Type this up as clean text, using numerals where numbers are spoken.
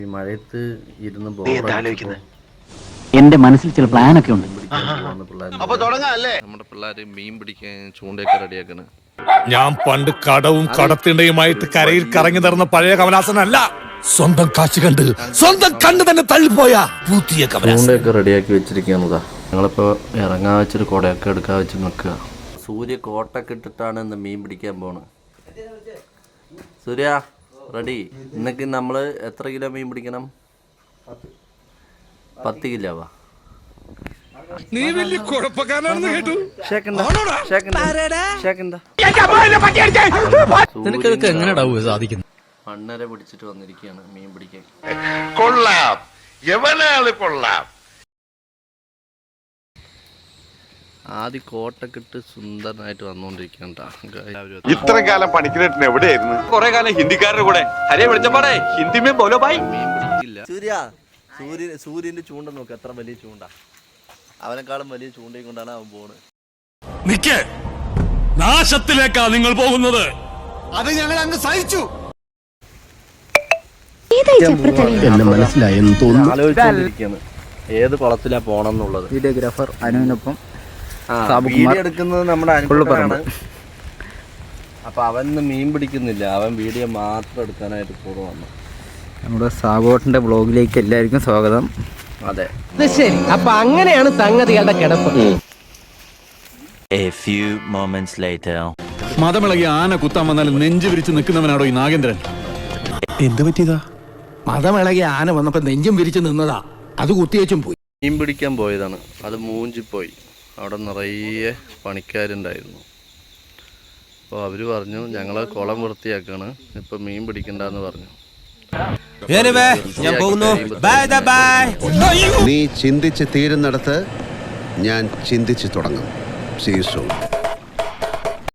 ഈ മഴയത്ത് ഇരുന്ന് എന്റെ മനസ്സിൽ ചില പ്ലാനൊക്കെ ഉണ്ട്. നമ്മുടെ പിള്ളേര് മീൻ പിടിക്കാൻ ചൂണ്ടയൊക്കെ റെഡിയാക്കണ്. ഞാൻ പണ്ട് കടവും കടത്തിണ്ടയുമായിട്ട് കരയിൽ കറങ്ങി നടന്ന പഴയ കമലാസനല്ല. സ്വന്തം കാശ് കണ്ട് സ്വന്തം കണ്ണ് തന്നെ തള്ളിപ്പോയ പുതിയ ചൂണ്ടയൊക്കെ റെഡിയാക്കി വെച്ചിരിക്കുകയാണതാ. ഞങ്ങളിപ്പോ ഇറങ്ങാൻ വെച്ചൊരു കുടയൊക്കെ എടുക്കാൻ വെച്ച് നിൽക്കുക. സൂര്യ കോട്ടൊക്കെ ഇട്ടിട്ടാണ് ഇന്ന് മീൻ പിടിക്കാൻ പോണ്. സൂര്യ റെഡി? ഇന്നൊക്കെ നമ്മള് എത്ര കിലോ മീൻ പിടിക്കണം? 10 കിലോവാ. നീ വലിയ കുഴപ്പക്കാരനാണെന്ന് കേട്ടു. സാധിക്കുന്നു. മണ്ണര പിടിച്ചിട്ട് വന്നിരിക്കുകയാണ് മീൻ പിടിക്കാൻ. കൊള്ളാം, എവനാള് കൊള്ളാം. ആദ്യം കോട്ടൊക്കെ ഇട്ട് സുന്ദരനായിട്ട് വന്നോണ്ടിരിക്കണ്ട. ഇത്ര കാലം പണിക്കിരട്ടിന് എവിടെയായിരുന്നു? കുറെ കാലം ഹിന്ദിക്കാരുടെ കൂടെ ഹരേ വിളിച്ചപ്പാടെ ഹിന്ദി മേ ബോലോ ഭായ്. മീൻ പിടിക്കില്ല. സൂര്യന്റെ ചൂണ്ട നോക്ക്, എത്ര വലിയ ചൂണ്ട. അവനെക്കാളും വലിയ ചൂണ്ടയും കൊണ്ടാണ് അവൻ പോണ്. നിക്ക്, നാശത്തിലേക്കാ നിങ്ങൾ പോകുന്നത്. അത് ഞങ്ങൾ അങ്ങ് സഹിച്ചു. മനസ്സിലായെന്ന് തോന്നുന്നു. ആലോചിച്ചിരിക്കുകയാണ് ഏത് കുളത്തിലാ പോണെന്നുള്ളത്. വീഡിയോഗ്രാഫർ അനുവിനൊപ്പം വീഡിയോ എടുക്കുന്നത് നമ്മുടെ അനുഭവമാണ്. അപ്പൊ അവൻ മീൻ പിടിക്കുന്നില്ല, അവൻ വീഡിയോ മാത്രം എടുക്കാനായിട്ട് കൂടെ വന്നു. നമ്മുടെ സാബോട്ടിന്റെ ബ്ലോഗിലേക്ക് എല്ലാവർക്കും സ്വാഗതം. അതെ, ശരി. അപ്പൊ അങ്ങനെയാണ് സംഗതികളുടെ കിടപ്പ്. A few moments later. മതമിളകി ആന കുത്താൻ വന്നാലും നെഞ്ചു വിരിച്ച് നിൽക്കുന്നവനാണോ ഈ നാഗേന്ദ്രൻ? എന്ത് പറ്റിയതാ? മതമിളകി ആന വന്നപ്പോ നെഞ്ചും വിരിച്ചു നിന്നതാ, അത് കുത്തിയേച്ചും പോയി. മീൻ പിടിക്കാൻ പോയതാണ്, അത് മൂഞ്ചിപ്പോയി. അവിടെ നിറയെ പണിക്കാരുണ്ടായിരുന്നു. അപ്പോൾ അവർ പറഞ്ഞു ഞങ്ങളെ കുളം വൃത്തിയാക്കാണ്, ഇപ്പം മീൻ പിടിക്കണ്ടെന്ന് പറഞ്ഞു. നീ ചിന്തിച്ച് തീരുന്നിടത്ത് ഞാൻ ചിന്തിച്ചു തുടങ്ങും. See you soon.